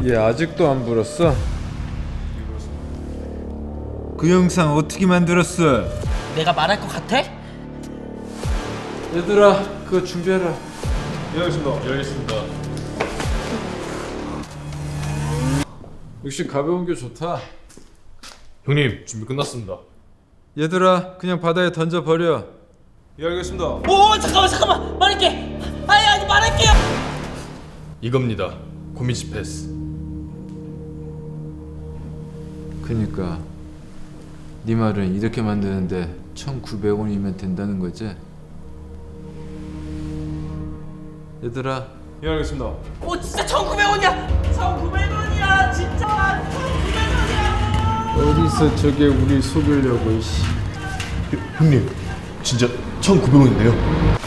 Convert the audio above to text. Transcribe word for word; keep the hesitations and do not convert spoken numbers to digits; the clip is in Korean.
얘 아직도 안 불었어? 그 영상 어떻게 만들었어? 내가 말할 것 같아? 얘들아 그거 준비해라. 예 알겠습니다. 예 알겠습니다. 역시 가벼운 게 좋다. 형님 준비 끝났습니다. 얘들아 그냥 바다에 던져버려. 예 알겠습니다. 오 잠깐만 잠깐만 말할게. 아니 아니 말할게요. 이겁니다. 고민지 패스. 그니까 네 말은 이렇게 만드는데 천구백 원이면 된다는 거지? 얘들아 예 알겠습니다. 오 진짜 천구백 원이야. 천구백 원이야 진짜. 천구백 원이야. 어디서 저게 우리 속이려고. 씨. 형님 진짜 천구백 원인데요.